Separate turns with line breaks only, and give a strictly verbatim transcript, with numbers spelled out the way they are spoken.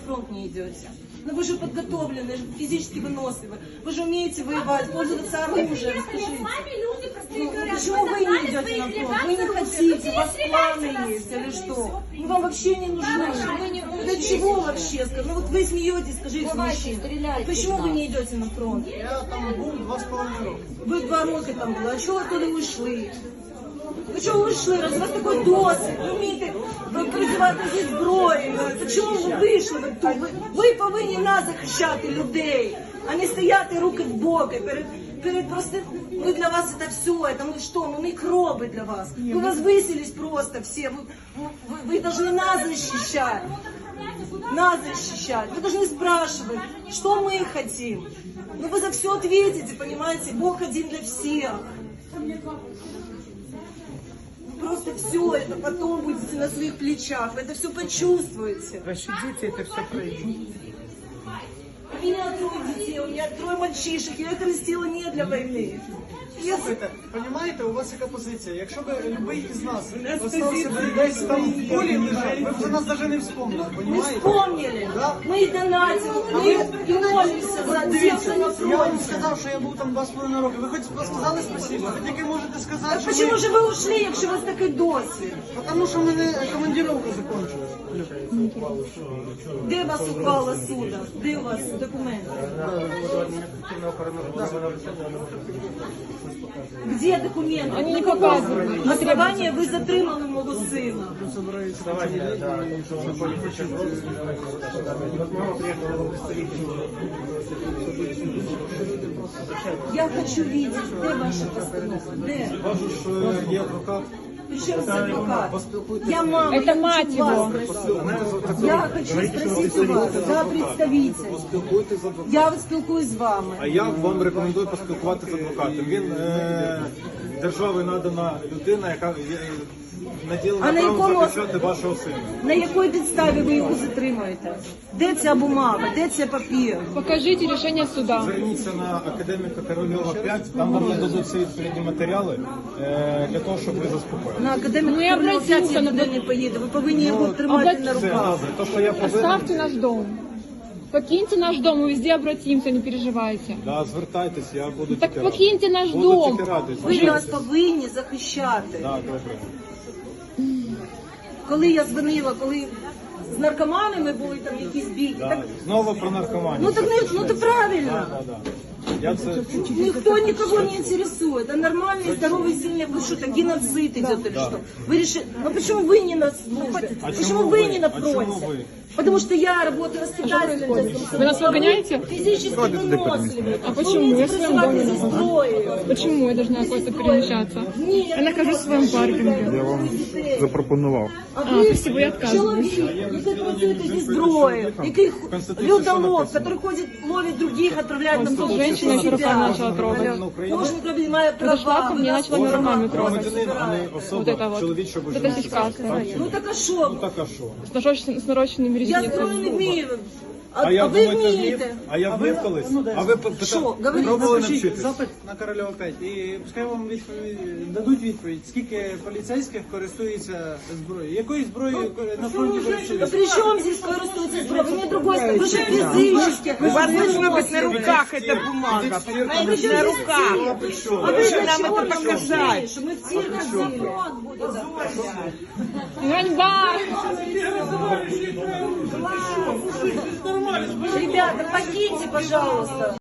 фронт не идете? Ну вы же подготовлены, физически выносливы. Вы же умеете воевать, пользоваться оружием, скажите. Ну, почему вы не идете на фронт? Вы не хотите, у вас планы есть или что? Мы вам вообще не нужны. Для чего вообще? Ну вот вы смеетесь, скажите, мужчина. Почему вы не идете на фронт?
Я там був два з половиною роки.
Ви два роки там були, а чого ви туди ушли? Ви чого вийшли? Раз у вас такий досвід, ви вмієте працювати зі зброєю. Так чому ви вийшли? Ви, тут? ви, ви повинні нас захищати, людей, а не стояти руки в боки перед, перед просто... Мы для вас это все, это мы что, мы микробы для вас. Вы вас выселись просто все, вы, вы, вы должны нас защищать. Нас защищать. Вы должны спрашивать, что мы хотим. Ну вы за все ответите, понимаете? Бог один для всех. Просто все это потом будете на своих плечах, вы это все почувствуете.
Ваші діти це все пройдуть.
У меня трое детей, у меня трое мальчишек, я их растила не для войны. Я...
Слухайте, розумієте, у вас яка позиція? Якщо б любий із нас остався б десь там в полі лежав, ви б вже нас навіть не вспомнили,
Мы
розумієте?
вспомнили,
Да?
мы донатили, мы молимся за тех, кто на
Я вам
фронте.
сказав, що я був там два з половиною роки. Ви хоч сказали спасибо? Ви тільки можете сказати,
Так
що
почему
ми...
же вы ушли, якщо у вас такий досвід?
Тому що в мене командировка закінчилась.
Де вас ухвала суда? Де у вас документи? Где документы? Они не показывают. Основание вы затримали мого сина. Я хочу видеть, где ваша постанова? Где?
Кажу, що є адвокат.
Причем здесь адвокат? Я мама.
Это мать его.
Я хочу спросить у вас, за представитель.
Поспілкуйтесь з адвокатом.
Я спілкуюсь з вами.
А я вам рекомендую поспілкуватися з адвокатом. Він е, держави надана людина, яка е, наділена
А на
правом
якому-
захищати вашого сина.
На якій підставі ви його затримуєте? Де ця бумага? Де цей папір?
Покажите решение суда.
Зверніться на академіка Корольова п'ять, там вам нададуть всі відповідні матеріали е, для того, щоб ви заспокоїли.
На академіку
Ну, я
Корольова п'ять я
обратився,
туди не поїду. Ви повинні його тримати
обрати-
на
Це
руках.
гази. То, що я повинен,
Оставьте наш дом. Покиньте наш дом, мы везде обратимся, не переживайте.
да, звертайтесь, я буду
Так
тільки радий.
покиньте наш
Буду
дом.
тільки радий.
Ви нас
Звертайтесь.
повинні захищати.
Да, добре.
Коли я дзвонила, коли з наркоманами були там якісь бійки,
Да.
так,
Знову про наркоманію.
ну так не, ну це правильно.
Да, да. Я це...
Никто никого не интересует. А нормальный, здоровый, сильный, вы что, так геноцид идет или что? Вы решили, ну почему вы не на службе?
А
Почему
чему
вы
вы?
не на
А чему
фронте?
вы?
Потому что я работаю воспитателем.
Вы нас выгоняете?
Физически выносливый.
А почему? Я в своем доме
здесь
нахожусь.
зброєю.
Почему я должна куда-то перемещаться?
Ні,
Я нахожусь в своем паркинге.
Я вам запропонував.
А
А,
ви
спасибо, я отказываюсь.
чоловік, який працюєте зі зброєю, який
Конституції
людолов,
що
який ходить, ловить других, отправляет на фронт.
Женщина еще руками начала трогать.
Кожен корабль має права.
Подошла ко мне,
ви нас
начала
кожен
руками
має права
трогать.
Громадянин, а не
збирати.
Вот
особа
это вот.
чоловічого
Вот это
жіночого.
сиська.
Ну так а що?
Ну так а що?
С нарощенными, с нарощенными
Я зброю не
ресницами.
вмію. А,
А я
а ви
думаєте, вмів?
вмієте.
А я вмів колись? А ви пита-
Що? Говоріть,
пробували
Напишіть
навчитись?
запит на Корольова п'ять і пускай вам відповідь, дадуть відповідь, скільки поліцейських користуються зброєю. Якою зброєю на фронті
Ну
користуються?
при чем здесь користуется зброя? Вы мне другой скажете. Вы же физически.
У вас должно быть на
выносливы.
руках эта бумага, понимаете,
Вы же
на
здесь
руках.
цирк.
А вы же нам
чего
это
нам
показать.
нужны? Что мы в цирк ходили.
Ганьба!
Ребята, покиньте, пожалуйста.